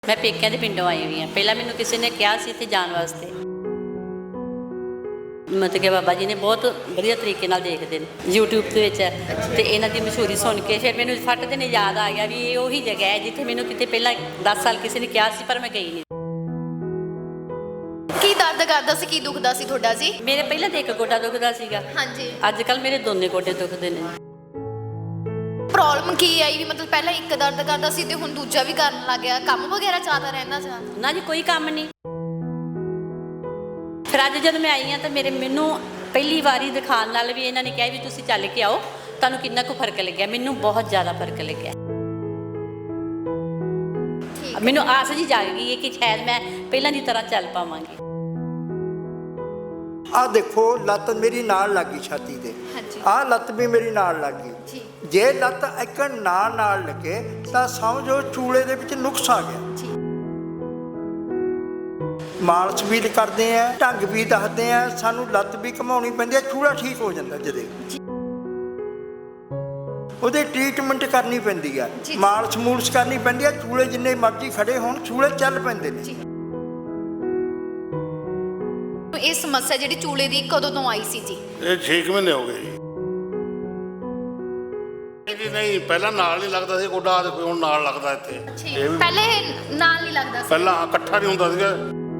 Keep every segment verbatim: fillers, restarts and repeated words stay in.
मैं पेकिਆਂ ਦੇ ਪਿੰਡੋਂ ਆਈ ਹੋਈ ਹਾਂ। ਪਹਿਲਾਂ ਮੈਨੂੰ ਕਿਸੇ ਨੇ ਕਿਹਾ ਸੀ ਇੱਥੇ ਜਾਣ ਵਾਸਤੇ, ਮਤਲਬ ਕਿ ਬਾਬਾ ਜੀ ਨੇ ਬਹੁਤ ਵਧੀਆ ਤਰੀਕੇ ਨਾਲ ਦੇਖਦੇ ਨੇ ਯੂਟਿਊਬ ਦੇ ਵਿੱਚ, ਤੇ ਇਹਨਾਂ ਦੀ ਮਸ਼ਹੂਰੀ ਸੁਣ ਕੇ ਫਿਰ ਮੈਨੂੰ ਫੱਟ ਦੇ ਨੇ ਯਾਦ ਆ ਗਿਆ ਵੀ ਇਹ ਉਹੀ ਜਗ੍ਹਾ ਹੈ ਜਿੱਥੇ ਮੈਨੂੰ ਕਿਤੇ ਪਹਿਲਾਂ ਦਸ ਸਾਲ ਕਿਸੇ ਨੇ ਕਿਹਾ ਸੀ, ਪਰ ਮੈਂ ਗਈ ਨਹੀਂ। ਕੀ ਦਰਦ ਕਰਦਾ ਸੀ, ਕੀ ਦੁਖਦਾ ਸੀ ਤੁਹਾਡਾ ਜੀ? ਮੇਰੇ ਪਹਿਲਾਂ ਤਾਂ ਇੱਕ ਗੋਡਾ ਦੁਖਦਾ ਸੀਗਾ, ਹਾਂਜੀ। ਅੱਜ ਕੱਲ ਮੇਰੇ ਦੋਨੇ ਗੋਡੇ ਦੁਖਦੇ ਨੇ। ਪ੍ਰੋਬਲਮ ਕੀ ਆਈ ਵੀ ਮਤਲਬ ਪਹਿਲਾਂ ਇੱਕ ਦਰਦ ਕਰਦਾ ਸੀ ਤੇ ਹੁਣ ਦੂਜਾ ਵੀ ਕਰਨ ਲੱਗ ਗਿਆ, ਕੰਮ ਵਗੈਰਾ ਜ਼ਿਆਦਾ ਰਹਿੰਦਾ ਜਾਂ? ਨਾ ਜੀ, ਕੋਈ ਕੰਮ ਨਹੀਂ। ਫਿਰ ਅੱਜ ਜਦ ਮੈਂ ਆਈ ਹਾਂ ਤਾਂ ਮੇਰੇ ਮੈਨੂੰ ਪਹਿਲੀ ਵਾਰੀ ਦਿਖਾਉਣ ਨਾਲ ਵੀ ਇਹਨਾਂ ਨੇ ਕਿਹਾ ਵੀ ਤੁਸੀਂ ਚੱਲ ਕੇ ਆਓ, ਤੁਹਾਨੂੰ ਕਿੰਨਾ ਕੁ ਫਰਕ ਲੱਗਿਆ। ਮੈਨੂੰ ਬਹੁਤ ਜ਼ਿਆਦਾ ਫਰਕ ਲੱਗਿਆ। ਮੈਨੂੰ ਆਸ ਜੀ ਜਾਗ ਗਈ ਹੈ ਕਿ ਸ਼ਾਇਦ ਮੈਂ ਪਹਿਲਾਂ ਦੀ ਤਰ੍ਹਾਂ ਚੱਲ ਪਾਵਾਂਗੀ। ਆ ਦੇਖੋ, ਲੱਤ ਮੇਰੀ ਨਾਲ ਲੱਗੀ ਛਾਤੀ ਤੇ, ਆਹ ਲੱਤ ਵੀ ਮੇਰੀ ਨਾਲ ਲੱਗੀ। ਜੇ ਲੱਤ ਇੱਕਣ ਨਾਲ ਨਾਲ ਲੱਗੇ ਤਾਂ ਸਮਝੋ ਚੂਲੇ ਦੇ ਵਿੱਚ ਨੁਕਸ ਆ ਗਿਆ। ਮਾਲਸ਼ ਵੀ ਕਰਦੇ ਆ, ਢੰਗ ਵੀ ਦੱਸਦੇ ਆ, ਸਾਨੂੰ ਲੱਤ ਵੀ ਘਮਾਉਣੀ ਪੈਂਦੀ ਹੈ, ਚੂਲਾ ਠੀਕ ਹੋ ਜਾਂਦਾ ਜਦੇ ਉਹਦੇ ਟ੍ਰੀਟਮੈਂਟ ਕਰਨੀ ਪੈਂਦੀ ਆ, ਮਾਲਸ਼ ਮੂਲਸ਼ ਕਰਨੀ ਪੈਂਦੀ ਆ। ਚੂਲੇ ਜਿੰਨੇ ਮਰਜ਼ੀ ਖੜੇ ਹੋਣ, ਚੂਲੇ ਚੱਲ ਪੈਂਦੇ ਨੇ। ਇਹ ਸਮੱਸਿਆ ਜਿਹੜੀ ਚੂਲੇ ਦੀ ਕਦੋਂ ਤੋਂ ਆਈ ਸੀ ਜੀ? ਇਹ ਛੇ ਮਹੀਨੇ ਹੋ ਗਏ ਜੀ। ਨਹੀਂ, ਪਹਿਲਾਂ ਨਾਲ ਨਹੀਂ ਲੱਗਦਾ ਸੀ ਗੋਡਾ, ਦੇਖੋ ਹੁਣ ਨਾਲ ਲੱਗਦਾ ਇੱਥੇ। ਇਹ ਵੀ ਪਹਿਲੇ ਨਾਲ ਨਹੀਂ ਲੱਗਦਾ ਸੀ, ਪਹਿਲਾਂ ਇਕੱਠਾ ਨਹੀਂ ਹੁੰਦਾ ਸੀਗਾ।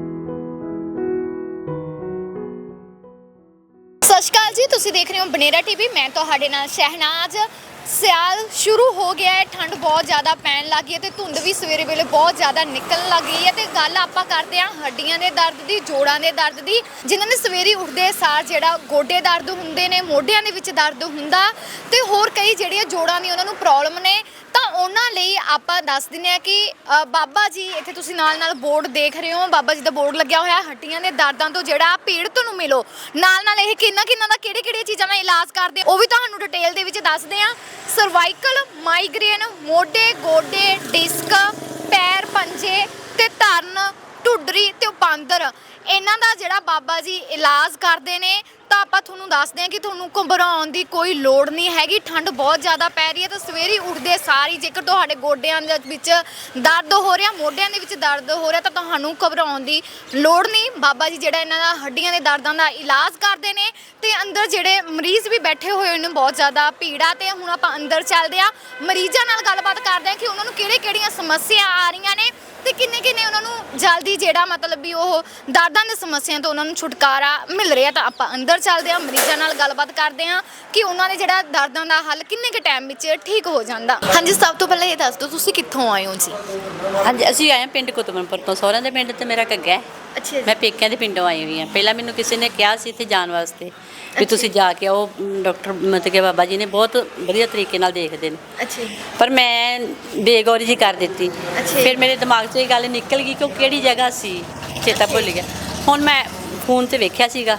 ਸਤਿ ਸ਼੍ਰੀ ਅਕਾਲ ਜੀ, ਤੁਸੀਂ ਦੇਖ ਰਹੇ ਹੋ ਬਨੇਰਾ ਟੀਵੀ, ਮੈਂ ਤੁਹਾਡੇ ਨਾਲ ਸ਼ਹਿਨਾਜ਼। ਸਿਆਲ ਸ਼ੁਰੂ ਹੋ ਗਿਆ ਹੈ, ਠੰਡ ਬਹੁਤ ਜ਼ਿਆਦਾ ਪੈਣ ਲੱਗ ਗਈ ਹੈ ਤੇ ਧੁੰਦ ਵੀ ਸਵੇਰੇ ਵੇਲੇ ਬਹੁਤ ਜ਼ਿਆਦਾ ਨਿਕਲਣ ਲੱਗ ਗਈ ਹੈ। ਤੇ ਗੱਲ ਆਪਾਂ ਕਰਦੇ ਹਾਂ ਹੱਡੀਆਂ ਦੇ ਦਰਦ ਦੀ, ਜੋੜਾਂ ਦੇ ਦਰਦ ਦੀ, ਜਿਨ੍ਹਾਂ ਨੇ ਸਵੇਰੇ ਉੱਠਦੇ ਸਾਰ ਜਿਹੜਾ ਗੋਡੇ ਦਰਦ ਹੁੰਦੇ ਨੇ, ਮੋਢਿਆਂ ਦੇ ਵਿੱਚ ਦਰਦ ਹੁੰਦਾ ਤੇ ਹੋਰ ਕਈ ਜਿਹੜੀਆਂ ਜੋੜਾਂ ਦੀ ਉਹਨਾਂ ਨੂੰ ਪ੍ਰੋਬਲਮ ਨੇ। ਤਾਂ ਉਹਨਾਂ ਲਈ ਆਪਾਂ ਦੱਸ ਦਿੰਦੇ ਹਾਂ ਕਿ ਬਾਬਾ ਜੀ, ਇੱਥੇ ਤੁਸੀਂ ਨਾਲ ਨਾਲ ਬੋਰਡ ਦੇਖ ਰਹੇ ਹੋ, ਬਾਬਾ ਜੀ ਦਾ ਬੋਰਡ ਲੱਗਿਆ ਹੋਇਆ। ਹੱਡੀਆਂ ਦੇ ਦਰਦਾਂ ਤੋਂ ਜਿਹੜਾ ਪੀੜਤ ਨੂੰ ਮਿਲੋ, ਨਾਲ ਨਾਲ ਇਹ ਕਿੰਨਾ ਕਿੰਨਾ ਦਾ ਕਿਹੜੇ ਕਿਹੜੀਆਂ ਚੀਜ਼ਾਂ ਦਾ ਇਲਾਜ ਕਰਦੇ ਉਹ ਵੀ ਤੁਹਾਨੂੰ ਡਿਟੇਲ ਦੇ ਵਿੱਚ ਦੱਸਦੇ ਹਾਂ। ਸਰਵਾਈਕਲ, ਮਾਈਗ੍ਰੇਨ, ਮੋਢੇ, ਗੋਡੇ, ਡਿਸਕ, ਪੈਰ, ਪੰਜੇ ਤੇ ਧਰਨ, ਢੁੱਡਰੀ ਤੇ ਬਾਂਦਰ, ਇਹਨਾਂ ਦਾ ਜਿਹੜਾ ਬਾਬਾ ਜੀ ਇਲਾਜ ਕਰਦੇ ਨੇ। ਤਾਂ ਆਪਾਂ ਤੁਹਾਨੂੰ ਦੱਸਦੇ ਹਾਂ ਕਿ ਤੁਹਾਨੂੰ ਘਬਰਾਉਣ ਦੀ ਕੋਈ ਲੋੜ ਨਹੀਂ ਹੈਗੀ। ਠੰਡ ਬਹੁਤ ਜ਼ਿਆਦਾ ਪੈ ਰਹੀ ਹੈ ਤਾਂ ਸਵੇਰੇ ਉੱਠਦੇ ਸਾਰੀ ਜੇਕਰ ਤੁਹਾਡੇ ਗੋਡਿਆਂ ਦੇ ਵਿੱਚ ਦਰਦ ਹੋ ਰਿਹਾ, ਮੋਢਿਆਂ ਦੇ ਵਿੱਚ ਦਰਦ ਹੋ ਰਿਹਾ, ਤਾਂ ਤੁਹਾਨੂੰ ਘਬਰਾਉਣ ਦੀ ਲੋੜ ਨਹੀਂ। ਬਾਬਾ ਜੀ ਜਿਹੜਾ ਇਹਨਾਂ ਦਾ ਹੱਡੀਆਂ ਦੇ ਦਰਦਾਂ ਦਾ ਇਲਾਜ ਕਰਦੇ ਨੇ। ਤੇ ਅੰਦਰ ਜਿਹੜੇ ਮਰੀਜ਼ ਵੀ ਬੈਠੇ ਹੋਏ ਨੇ, ਬਹੁਤ ਜ਼ਿਆਦਾ ਭੀੜਾ। ਤੇ ਹੁਣ ਆਪਾਂ ਅੰਦਰ ਚੱਲਦੇ ਹਾਂ, ਮਰੀਜ਼ਾਂ ਨਾਲ ਗੱਲਬਾਤ ਕਰਦੇ ਹਾਂ ਕਿ ਉਹਨਾਂ ਨੂੰ ਕਿਹੜੇ ਕਿਹੜੀਆਂ ਸਮੱਸਿਆ ਆ ਰਹੀਆਂ ਨੇ ਤੇ ਕਿੰਨੇ ਕਿੰਨੇ ਉਹਨਾਂ ਨੂੰ ਜਲਦੀ ਜਿਹੜਾ ਮਤਲਬ ਵੀ ਉਹ ਦਰਦਾਂ ਦੀ ਸਮੱਸਿਆ ਤੋਂ ਉਹਨਾਂ ਨੂੰ ਛੁਟਕਾਰਾ ਮਿਲ ਰਿਹਾ। ਤਾਂ ਆਪਾਂ ਅੰਦਰ ਚੱਲਦੇ ਹਾਂ, ਮਰੀਜ਼ਾਂ ਨਾਲ ਗੱਲਬਾਤ ਕਰਦੇ ਹਾਂ ਕਿ ਉਹਨਾਂ ਦੇ ਜਿਹੜਾ ਦਰਦਾਂ ਦਾ ਹੱਲ ਕਿੰਨੇ ਕੁ ਟਾਈਮ ਵਿੱਚ ਠੀਕ ਹੋ ਜਾਂਦਾ। ਹਾਂਜੀ, ਸਭ ਤੋਂ ਪਹਿਲਾਂ ਇਹ ਦੱਸ ਦਿਓ ਤੁਸੀਂ ਕਿੱਥੋਂ ਆਏ ਹੋ ਜੀ? ਹਾਂਜੀ, ਅਸੀਂ ਆਏ ਹਾਂ ਪਿੰਡ ਕੁਤਬਨਪੁਰ ਤੋਂ। ਸਹੁਰਿਆਂ ਦੇ ਪਿੰਡ ਤੇ ਮੇਰਾ ਘੱਗਾ ਹੈ। ਅੱਛਾ, ਮੈਂ ਪੇਕਿਆਂ ਦੇ ਪਿੰਡੋਂ ਆਈ ਹੋਈ ਹਾਂ। ਪਹਿਲਾਂ ਮੈਨੂੰ ਕਿਸੇ ਨੇ ਕਿਹਾ ਸੀ ਇੱਥੇ ਜਾਣ ਵਾਸਤੇ ਵੀ ਤੁਸੀਂ ਜਾ ਕੇ ਆਓ, ਡਾਕਟਰ ਮਤਲਬ ਕਿ ਬਾਬਾ ਜੀ ਨੇ ਬਹੁਤ ਵਧੀਆ ਤਰੀਕੇ ਨਾਲ ਦੇਖਦੇ ਨੇ। ਅੱਛਾ, ਪਰ ਮੈਂ ਬੇਗੌਰੀ ਜੀ ਕਰ ਦਿੱਤੀ। ਫਿਰ ਮੇਰੇ ਦਿਮਾਗ 'ਚੋਂ ਇਹ ਗੱਲ ਨਿਕਲ ਗਈ ਕਿ ਉਹ ਕਿਹੜੀ ਜਗ੍ਹਾ ਸੀ, ਚੇਤਾ ਭੁੱਲ ਗਿਆ। ਹੁਣ ਮੈਂ ਫੋਨ ਤੇ ਵੇਖਿਆ ਸੀਗਾ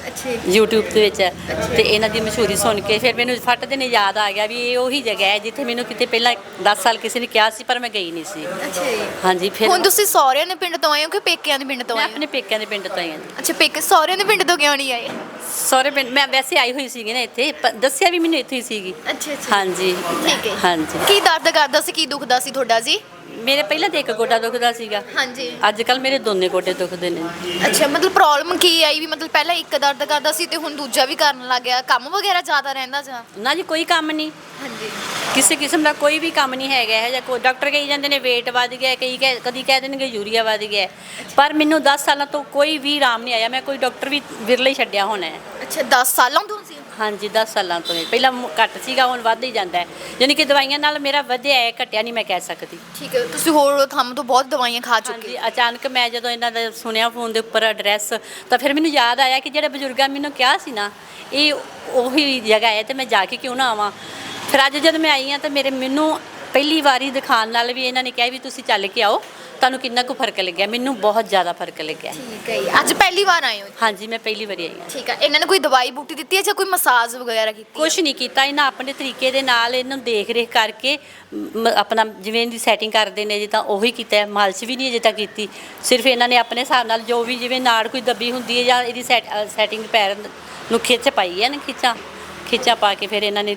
ਯੂਟਿਊਬ ਦੇ ਵਿੱਚ, ਤੇ ਇਹਨਾਂ ਦੀ ਮਸ਼ਹੂਰੀ ਸੁਣ ਕੇ ਫਿਰ ਮੈਨੂੰ ਫੱਟ ਦੇ ਨੇ ਯਾਦ ਆ ਗਿਆ ਵੀ ਇਹ ਉਹੀ ਜਗ੍ਹਾ ਹੈ ਜਿੱਥੇ ਮੈਨੂੰ ਕਿਤੇ ਪਹਿਲਾਂ ਦਸ ਸਾਲ ਕਿਸੇ ਨੇ ਕਿਹਾ ਸੀ, ਪਰ ਮੈਂ ਗਈ ਨਹੀਂ ਸੀ। ਹਾਂਜੀ। ਫਿਰ ਹੁਣ ਤੁਸੀਂ ਸਹੁਰਿਆਂ ਦੇ ਪਿੰਡ ਤੋਂ ਆਏ ਹੋ ਕਿ ਪੇਕਿਆਂ ਦੇ ਪਿੰਡ ਤੋਂ ਮੈਂ ਆਏ ਹੋ? ਆਪਣੇ ਪੇਕਿਆਂ ਦੇ ਪਿੰਡ ਤੋਂ ਆਈ ਹਾਂ। ਅੱਛਾ, ਪੇਕੇ ਸਹੁਰਿਆਂ ਦੇ ਪਿੰਡ ਤੋਂ ਕਿਉਂ ਨਹੀਂ ਆਏ? ਸਹੁਰੇ ਪਿੰਡ ਮੈਂ ਵੈਸੇ ਆਈ ਹੋਈ ਸੀਗੀ ਨਾ ਇੱਥੇ, ਦੱਸਿਆ ਵੀ ਮੈਨੂੰ ਇੱਥੇ ਹੀ ਸੀਗੀ। ਅੱਛਾ ਅੱਛਾ, ਹਾਂਜੀ ਠੀਕ ਹੈ। ਹਾਂਜੀ। ਕੀ ਦਰਦ ਕਰਦਾ ਸੀ, ਕੀ ਦੁਖਦਾ ਸੀ ਤੁਹਾਡਾ ਜੀ? ਮੇਰੇ ਪਹਿਲਾਂ ਤਾਂ ਇੱਕ ਗੋਡਾ ਦੁਖਦਾ ਸੀਗਾ, ਹਾਂਜੀ। ਅੱਜ ਕੱਲ ਮੇਰੇ ਦੋਨੇ ਗੋਡੇ ਦੁਖਦੇ ਨੇ। ਅੱਛਾ, ਮਤਲਬ ਪ੍ਰੋਬਲਮ ਕੀ ਆਈ ਵੀ ਮਤਲਬ ਪਹਿਲਾਂ ਇੱਕ ਦਰਦ ਕਰਦਾ ਸੀ ਤੇ ਹੁਣ ਦੂਜਾ ਵੀ ਕਰਨ ਲੱਗ ਗਿਆ, ਕੰਮ ਵਗੈਰਾ ਜ਼ਿਆਦਾ ਰਹਿੰਦਾ ਜਾਂ? ਨਾ ਜੀ, ਕੋਈ ਕੰਮ ਨਹੀਂ, ਹਾਂਜੀ। ਕਿਸੇ ਕਿਸਮ ਦਾ ਕੋਈ ਵੀ ਕੰਮ ਨਹੀਂ ਹੈਗਾ ਹੈ। ਜਾਂ ਕੋਈ ਡਾਕਟਰ ਕਹੀ ਜਾਂਦੇ ਨੇ ਵੇਟ ਵੱਧ ਗਿਆ, ਕਈ ਕਹਿ ਕਦੀ ਕਹਿ ਦੇਣਗੇ ਯੂਰੀਆ ਵੱਧ ਗਿਆ, ਪਰ ਮੈਨੂੰ ਦਸ ਸਾਲਾਂ ਤੋਂ ਕੋਈ ਵੀ ਆਰਾਮ ਨਹੀਂ ਆਇਆ। ਮੈਂ ਕੋਈ ਡਾਕਟਰ ਵੀ ਵਿਰਲੇ ਹੀ ਛੱਡਿਆ ਹੋਣਾ ਹੈ। ਅੱਛਾ, ਦਸ ਸਾਲਾਂ ਤੋਂ ਸੀ? ਹਾਂਜੀ, ਦਸ ਸਾਲਾਂ ਤੋਂ। ਪਹਿਲਾਂ ਘੱਟ ਸੀਗਾ, ਹੁਣ ਵੱਧ ਹੀ ਜਾਂਦਾ ਹੈ। ਯਾਨੀ ਕਿ ਦਵਾਈਆਂ ਨਾਲ ਮੇਰਾ ਵਧਿਆ ਹੈ, ਘਟਿਆ ਨਹੀਂ ਮੈਂ ਕਹਿ ਸਕਦੀ। ਠੀਕ ਹੈ, ਤੁਸੀਂ ਹੋਰ ਥੰਮ ਤੋਂ ਬਹੁਤ ਦਵਾਈਆਂ ਖਾ ਚੁੱਕੇ? ਹਾਂਜੀ। ਅਚਾਨਕ ਮੈਂ ਜਦੋਂ ਇਹਨਾਂ ਦਾ ਸੁਣਿਆ ਫੋਨ ਦੇ ਉੱਪਰ ਐਡਰੈਸ, ਤਾਂ ਫਿਰ ਮੈਨੂੰ ਯਾਦ ਆਇਆ ਕਿ ਜਿਹੜੇ ਬਜ਼ੁਰਗਾਂ ਮੈਨੂੰ ਕਿਹਾ ਸੀ ਨਾ, ਇਹ ਉਹੀ ਜਗ੍ਹਾ ਹੈ ਤੇ ਮੈਂ ਜਾ ਕੇ ਕਿਉਂ ਨਾ ਆਵਾਂ। ਫਿਰ ਅੱਜ ਜਦ ਮੈਂ ਆਈ ਹਾਂ ਤਾਂ ਮੇਰੇ ਮੈਨੂੰ ਪਹਿਲੀ ਵਾਰੀ ਦਿਖਾਉਣ ਨਾਲ ਵੀ ਇਹਨਾਂ ਨੇ ਕਿਹਾ ਵੀ ਤੁਸੀਂ ਚੱਲ ਕੇ ਆਓ, ਤੁਹਾਨੂੰ ਕਿੰਨਾ ਕੁ ਫਰਕ ਲੱਗਿਆ। ਮੈਨੂੰ ਬਹੁਤ ਜ਼ਿਆਦਾ ਫਰਕ ਲੱਗਿਆ। ਠੀਕ ਹੈ, ਅੱਜ ਪਹਿਲੀ ਵਾਰ ਆਏ ਹੋ? ਹਾਂਜੀ, ਮੈਂ ਪਹਿਲੀ ਵਾਰੀ ਆਈ ਹਾਂ। ਠੀਕ ਹੈ, ਇਹਨਾਂ ਨੇ ਕੋਈ ਦਵਾਈ ਬੂਟੀ ਦਿੱਤੀ ਹੈ ਜਾਂ ਕੋਈ ਮਸਾਜ ਵਗੈਰਾ ਕੀਤੀ? ਕੁਛ ਨਹੀਂ ਕੀਤਾ, ਇਹਨਾਂ ਆਪਣੇ ਤਰੀਕੇ ਦੇ ਨਾਲ ਇਹਨੂੰ ਦੇਖ ਰੇਖ ਕਰਕੇ ਮ- ਆਪਣਾ ਜਿਵੇਂ ਇਹਦੀ ਸੈਟਿੰਗ ਕਰਦੇ ਨੇ ਜੀ, ਤਾਂ ਉਹੀ ਕੀਤਾ। ਮਾਲਸ਼ ਵੀ ਨਹੀਂ ਅਜੇ ਤੱਕ ਕੀਤੀ, ਸਿਰਫ ਇਹਨਾਂ ਨੇ ਆਪਣੇ ਹਿਸਾਬ ਨਾਲ ਜੋ ਵੀ, ਜਿਵੇਂ ਨਾੜ ਕੋਈ ਦੱਬੀ ਹੁੰਦੀ ਹੈ ਜਾਂ ਇਹਦੀ ਸੈਟ ਸੈਟਿੰਗ ਪੈਰ ਨੂੰ ਖਿੱਚ ਪਾਈ ਹੈ ਨਾ, ਖਿੱਚਾਂ ਖਿੱਚਾਂ ਪਾ ਕੇ ਫਿਰ ਇਹਨਾਂ ਨੇ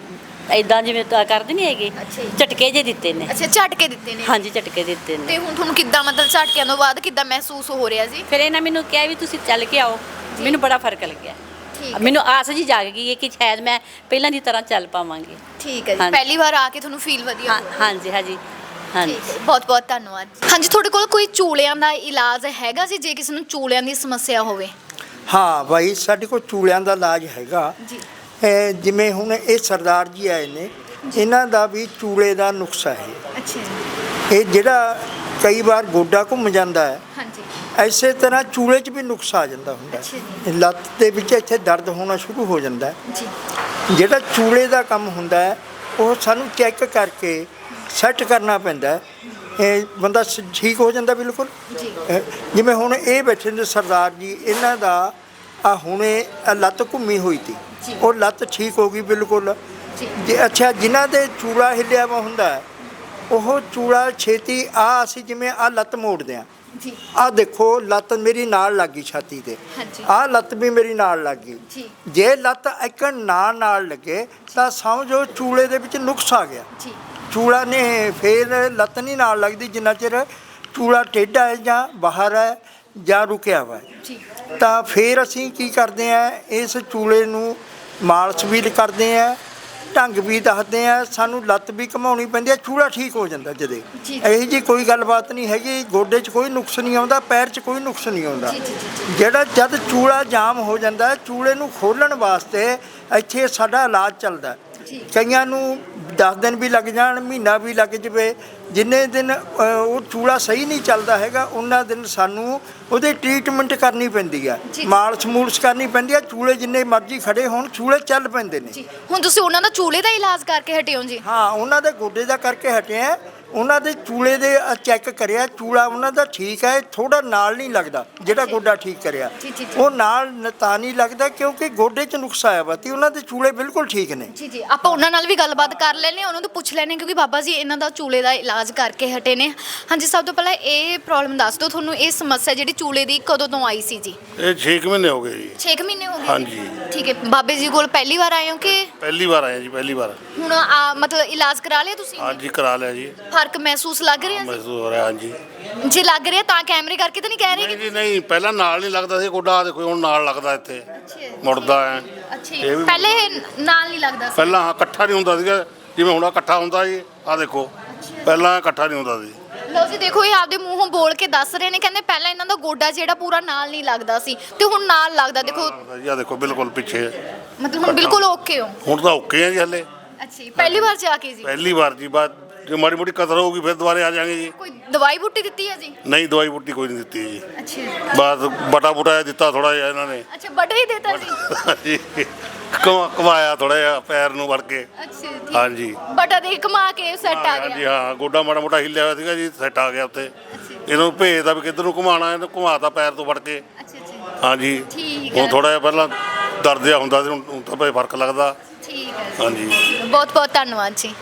ਇਦਾਂ ਜਿਵੇਂ ਤਾਂ ਕਰਦੇ ਨਹੀਂ ਹੈਗੇ, ਅੱਛਾ ਜੀ। ਝਟਕੇ ਜੇ ਦਿੱਤੇ ਨੇ। ਅੱਛਾ ਝਟਕੇ ਦਿੱਤੇ ਨੇ। ਹਾਂਜੀ ਝਟਕੇ ਦਿੱਤੇ ਨੇ। ਤੇ ਹੁਣ ਤੁਹਾਨੂੰ ਕਿੱਦਾਂ ਮਤਲਬ ਝਟਕਿਆਂ ਤੋਂ ਬਾਅਦ ਕਿੱਦਾਂ ਮਹਿਸੂਸ ਹੋ ਰਿਹਾ ਜੀ? ਫਿਰ ਇਹਨਾਂ ਮੈਨੂੰ ਕਿਹਾ ਵੀ ਤੁਸੀਂ ਚੱਲ ਕੇ ਆਓ, ਮੈਨੂੰ ਬੜਾ ਫਰਕ ਲੱਗਿਆ। ਠੀਕ ਹੈ। ਮੈਨੂੰ ਆਸ ਜੀ ਜਾਗ ਗਈ ਹੈ ਕਿ ਸ਼ਾਇਦ ਮੈਂ ਪਹਿਲਾਂ ਦੀ ਤਰ੍ਹਾਂ ਚੱਲ ਪਾਵਾਂਗੀ। ਠੀਕ ਹੈ ਜੀ। ਹਾਂਜੀ। ਪਹਿਲੀ ਵਾਰ ਆ ਕੇ ਤੁਹਾਨੂੰ ਫੀਲ ਵਧੀਆ ਹਾਂ ਹੋ ਰਿਹਾ? ਹਾਂਜੀ ਹਾਂਜੀ ਹਾਂਜੀ। ਠੀਕ ਹੈ, ਬਹੁਤ ਬਹੁਤ ਧੰਨਵਾਦ। ਹਾਂਜੀ, ਤੁਹਾਡੇ ਕੋਲ ਕੋਈ ਚੂਲਿਆਂ ਦਾ ਇਲਾਜ ਹੈਗਾ ਜੀ, ਜੇ ਕਿਸੇ ਨੂੰ ਚੂਲਿਆਂ ਦੀ ਸਮੱਸਿਆ ਹੋਵੇ? ਹਾਂ ਬਾਈ, ਸਾਡੇ ਕੋਲ ਚੂਲਿਆਂ ਦਾ ਇਲਾਜ ਹੈਗਾ। ਜੀ। ਇਹ ਜਿਵੇਂ ਹੁਣ ਇਹ ਸਰਦਾਰ ਜੀ ਆਏ ਨੇ, ਇਹਨਾਂ ਦਾ ਵੀ ਚੂਲੇ ਦਾ ਨੁਕਸਾ ਹੈ। ਅੱਛਾ ਜੀ। ਇਹ ਜਿਹੜਾ ਕਈ ਵਾਰ ਗੋਡਾ ਘੁੰਮ ਜਾਂਦਾ ਹੈ, ਹਾਂਜੀ। ਐਸੇ ਤਰ੍ਹਾਂ ਚੂਲੇ 'ਚ ਵੀ ਨੁਕਸ ਆ ਜਾਂਦਾ ਹੁੰਦਾ ਅੱਛਾ ਹੈ। ਲੱਤ ਦੇ ਵਿੱਚ ਇੱਥੇ ਦਰਦ ਹੋਣਾ ਸ਼ੁਰੂ ਹੋ ਜਾਂਦਾ ਹੈ। ਜੀ। ਜਿਹੜਾ ਚੂਲੇ ਦਾ ਕੰਮ ਹੁੰਦਾ ਹੈ, ਉਹ ਸਾਨੂੰ ਚੈੱਕ ਕਰਕੇ ਸੈੱਟ ਕਰਨਾ ਪੈਂਦਾ ਹੈ। ਇਹ ਬੰਦਾ ਸ- ਠੀਕ ਹੋ ਜਾਂਦਾ ਬਿਲਕੁਲ। ਜੀ। ਅਹ ਜਿਵੇਂ ਹੁਣ ਇਹ ਬੈਠੇ ਨੇ ਸਰਦਾਰ ਜੀ, ਇਹਨਾਂ ਦਾ ਆ ਹੁਣੇ ਆਹ ਲੱਤ ਘੁੰਮੀ ਹੋਈ ਸੀ, ਜੀ। ਉਹ ਲੱਤ ਠੀਕ ਹੋ ਗਈ ਬਿਲਕੁਲ। ਜੀ। ਜੇ ਅੱਛਾ ਜਿਨ੍ਹਾਂ ਦੇ ਚੂੜਾ ਹਿੱਲਿਆ ਵਾ ਹੁੰਦਾ ਹੈ, ਉਹ ਚੂੜਾ ਛੇਤੀ ਆ ਅਸੀਂ ਜਿਵੇਂ ਆ ਲੱਤ ਮੋੜਦੇ ਹਾਂ, ਜੀ। ਆ ਦੇਖੋ ਲੱਤ ਮੇਰੀ ਨਾਲ ਲੱਗ ਗਈ ਛਾਤੀ ਤੇ, ਹਾਂਜੀ। ਆ ਲੱਤ ਵੀ ਮੇਰੀ ਨਾਲ ਲੱਗ ਗਈ। ਜੀ। ਜੇ ਲੱਤ ਇੱਕ ਨਾਲ ਨਾਲ ਲੱਗੇ ਤਾਂ ਸਮਝੋ ਚੂਲੇ ਦੇ ਵਿੱਚ ਨੁਕਸ ਆ ਗਿਆ। ਜੀ। ਚੂਲਾ ਨੇ ਫੇਰ ਲੱਤ ਨਹੀਂ ਨਾਲ ਲੱਗਦੀ ਜਿੰਨਾ ਚਿਰ ਚੂਲਾ ਟੇਢਾ ਹੈ ਜਾਂ ਬਾਹਰ ਹੈ ਜਾਂ ਰੁਕਿਆ ਵਾ ਹੈ। ਜੀ। ਤਾਂ ਫਿਰ ਅਸੀਂ ਕੀ ਕਰਦੇ ਆ, ਇਸ ਚੂਲੇ ਨੂੰ ਮਾਲਸ਼ ਵੀ ਕਰਦੇ ਆ, ਢੰਗ ਵੀ ਦੱਸਦੇ ਆ, ਸਾਨੂੰ ਲੱਤ ਵੀ ਘਮਾਉਣੀ ਪੈਂਦੀ ਆ, ਚੂਲਾ ਠੀਕ ਹੋ ਜਾਂਦਾ ਜਦੇ। ਜੀ। ਇਹੋ ਜੀ ਕੋਈ ਗੱਲਬਾਤ ਨਹੀਂ ਹੈਗੀ। ਗੋਡੇ 'ਚ ਕੋਈ ਨੁਕਸ ਨਹੀਂ ਆਉਂਦਾ, ਪੈਰ 'ਚ ਕੋਈ ਨੁਕਸ ਨਹੀਂ ਆਉਂਦਾ। ਜੀ, ਜੀ, ਜੀ, ਜਿਹੜਾ ਜਦ ਚੂਲਾ ਜਾਮ ਹੋ ਜਾਂਦਾ, ਚੂਲੇ ਨੂੰ ਖੋਲ੍ਹਣ ਵਾਸਤੇ ਇੱਥੇ ਸਾਡਾ ਇਲਾਜ ਚੱਲਦਾ। ਜੀ। ਕਈਆਂ ਨੂੰ ਦਸ ਦਿਨ ਵੀ ਲੱਗ ਜਾਣ, ਮਹੀਨਾ ਵੀ ਲੱਗ ਜਵੇ। ਜਿੰਨੇ ਦਿਨ ਅ, ਉਹ ਚੂਲਾ ਸਹੀ ਨਹੀਂ ਚੱਲਦਾ ਹੈਗਾ, ਉਹਨਾਂ ਦਿਨ ਸਾਨੂੰ ਉਹਦੇ ਟ੍ਰੀਟਮੈਂਟ ਕਰਨੀ ਪੈਂਦੀ ਆ, ਜੀ। ਮਾਲਸ਼ ਮੂਲਸ਼ ਕਰਨੀ ਪੈਂਦੀ ਆ। ਚੂਲੇ ਜਿੰਨੇ ਮਰਜ਼ੀ ਖੜੇ ਹੋਣ, ਚੂਲੇ ਚੱਲ ਪੈਂਦੇ ਨੇ। ਜੀ। ਹੁਣ ਤੁਸੀਂ ਉਹਨਾਂ ਦਾ ਚੂਲੇ ਦਾ ਇਲਾਜ ਕਰਕੇ ਹਟੇ ਹੋ ਜੀ? ਹਾਂ, ਉਹਨਾਂ ਦੇ ਗੋਡੇ ਦਾ ਕਰਕੇ ਹਟੇ ਆ। ਉਹਨਾਂ ਦੇ ਚੂਲੇ ਦੇ ਚੈੱਕ ਕਰਿਆ, ਚੂਲਾ ਉਹਨਾਂ ਦਾ ਠੀਕ ਹੈ, ਥੋੜਾ ਨਾਲ ਨਹੀਂ ਲੱਗਦਾ ਜਿਹੜਾ ਗੋਡਾ ਠੀਕ ਕਰਿਆ। ਜੀ, ਜੀ, ਜੀ। ਉਹ ਨਾਲ ਨ- ਤਾਂ ਨਹੀਂ ਲੱਗਦਾ ਕਿਉਂਕਿ ਗੋਡੇ 'ਚ ਨੁਕਸ ਆਇਆ ਵਾ ਤੇ ਉਹਨਾਂ ਦੇ ਚੂਲੇ ਬਿਲਕੁਲ ਠੀਕ ਨੇ। ਜੀ। ਜੀ। ਆਪਾਂ ਉਹਨਾਂ ਨਾਲ ਵੀ ਗੱਲਬਾਤ ਕਰ ਲੈਣੇ, ਉਹਨਾਂ ਤੋਂ ਪੁੱਛ ਲੈਣੇ, ਕਿਉਂਕਿ ਬਾਬਾ ਜੀ ਇਹਨਾਂ ਦਾ ਚੂਲੇ ਦਾ ਇਲਾਜ ਕਰਕੇ ਹਟੇ ਨੇ। ਹਾਂਜੀ, ਸਭ ਤੋਂ ਪਹਿਲਾਂ ਇਹ ਪ੍ਰੋਬਲਮ ਦੱਸ ਦਿਓ, ਤੁਹਾਨੂੰ ਇਹ ਸਮੱਸਿਆ ਜਿਹੜੀ ਚੂਲੇ ਦੀ ਕਦੋਂ ਤੋਂ ਆਈ ਸੀ ਜੀ? ਇਹ ਛੇ ਕੁ ਮਹੀਨੇ ਹੋ ਗਏ ਜੀ। ਛੇ ਕੁ ਮਹੀਨੇ ਹੋ ਗਏ? ਹਾਂਜੀ। ਠੀਕ ਹੈ। ਬਾਬੇ ਜੀ ਕੋਲ ਪਹਿਲੀ ਵਾਰ ਆਏ ਹੋ ਕਿ ਪਹਿਲੀ ਵਾਰ ਆਏ ਜੀ, ਪਹਿਲੀ ਵਾਰ। ਹੁਣ ਆ ਮਤਲਬ ਇਲਾਜ ਕਰਾ ਲਿਆ ਤੁਸੀਂ? ਹਾਂਜੀ ਕਰਾ ਲਿਆ ਜੀ, ਫਰਕ ਮਹਿਸੂਸ ਲੱਗ ਰਿਹਾ ਮਹਿਸੂਸ ਹੋ ਰਿਹਾ। ਹਾਂਜੀ। ਜੀ? ਜੇ ਲੱਗ ਰਿਹਾ ਤਾਂ ਕੈਮਰੇ ਕਰਕੇ ਤਾਂ ਨਹੀਂ ਕਹਿ ਰਹੇ ਨਹੀਂ ਕਿ ਜੀ ਨਹੀਂ, ਪਹਿਲਾਂ ਨਾਲ ਨਹੀਂ ਲੱਗਦਾ ਸੀ ਗੋਡਾ, ਆਹ ਦੇਖੋ ਹੁਣ ਨਾਲ ਲੱਗਦਾ ਇੱਥੇ, ਮੁੜਦਾ ਹੈ। ਅੱਛਾ ਇਹ ਜੀ। ਵੀ- ਪਹਿਲੇ ਇਹ ਨਾਲ ਨਹੀਂ ਲੱਗਦਾ ਸੀ? ਪਹਿਲਾਂ ਹਾਂ ਇਕੱਠਾ ਨਹੀਂ ਹੁੰਦਾ ਸੀਗਾ, ਜਿਵੇਂ ਹੁਣ ਆਹ ਇਕੱਠਾ ਹੁੰਦਾ ਜੀ। ਆਹ ਦੇਖੋ ਪਹਿਲਾਂ ਇਕੱਠਾ ਨਹੀਂ ਹੁੰਦਾ ਸੀ। ਲਓ ਜੀ, ਦੇਖੋ ਇਹ ਆਪਦੇ ਮੂੰਹੋਂ ਬੋਲ ਕੇ ਦੱਸ ਰਹੇ ਨੇ, ਕਹਿੰਦੇ ਪਹਿਲਾਂ ਇਹਨਾਂ ਦਾ ਗੋਡਾ ਜਿਹੜਾ ਪੂਰਾ ਨਾਲ ਨਹੀਂ ਲੱਗਦਾ ਸੀ ਤੇ ਹੁਣ ਨਾਲ ਲੱਗਦਾ। ਦੇਖੋ ਲੱਗਦਾ ਜੀ, ਆਹ ਦੇਖੋ ਬਿਲਕੁਲ ਪਿੱਛੇ। ਮਤਲਬ ਹੁਣ ਬਿਲਕੁਲ ਓਕੇ ਹੋ? ਹੁਣ ਤਾਂ ਓਕੇ ਆ ਜੀ ਹਲੇ। ਅੱਛਾ ਜੀ। ਪਹਿਲੀ ਵਾਰ ਜਾ ਕੇ ਜੀ? ਪਹਿਲੀ ਵਾਰ ਜੀ, ਬਾਅਦ ਜੇ ਮਾੜੀ ਮੋਟੀ ਕਦਰ ਹੋਊਗੀ ਫਿਰ ਦੁਬਾਰੇ ਆ ਜਾਾਂਗੇ ਜੀ। ਕੋਈ ਦਵਾਈ ਬੂਟੀ ਦਿੱਤੀ ਹੈ ਜੀ? ਨਹੀਂ ਦਵਾਈ ਬੂਟੀ ਕੋਈ ਨਹੀਂ ਦਿੱਤੀ ਜੀ, ਅੱਛਾ ਜੀ। ਬਸ ਬਟਾ ਬੂਟਾ ਦਿੱਤਾ ਥੋੜਾ ਜਿਹਾ ਇਹਨਾਂ ਨੇ। ਅੱਛਾ, ਬਟਾ ਹੀ ਦੇਤਾ ਜੀ? ਜੀ ਕਮਾ ਕਮਾਇਆ ਥੋੜਾ ਜਿਹਾ ਪੈਰ ਨੂੰ ਵੜ ਕੇ। ਅੱਛਾ ਜੀ। ਹਾਂਜੀ। ਬਟਾ ਦੇ ਕਮਾ ਕੇ ਸੈੱਟ ਆ ਹਾਂਜੀ ਗਿਆ? ਹਾਂ, ਗੋਡਾ ਮਾੜਾ ਮੋਟਾ ਹਿੱਲਿਆ ਹੋਇਆ ਸੀਗਾ ਜੀ, ਸੈੱਟ ਆ ਗਿਆ ਉੱਤੇ। ਇਹਨੂੰ ਭੇਜਦਾ ਵੀ ਕਿੱਧਰ ਨੂੰ ਘੁਮਾਉਣਾ, ਇਹਨੂੰ ਘੁਮਾਤਾ ਪੈਰ ਤੋਂ ਵੜ ਕੇ। ਅੱਛਾ ਜੀ। ਹਾਂਜੀ। ਠੀਕ ਹੁਣ ਹੈ। ਥੋੜਾ ਜਿਹਾ ਪਹਿਲਾਂ ਦਰਦ ਜਿਹਾ ਹੁੰਦਾ ਸੀ, ਹੁਣ ਹੁਣ ਤਾਂ ਭਾਈ ਫਰਕ ਲੱਗਦਾ। ਠੀਕ ਹੈ ਜੀ। ਹਾਂਜੀ। ਬਹੁਤ ਬਹੁਤ ਧੰਨਵਾਦ ਜੀ।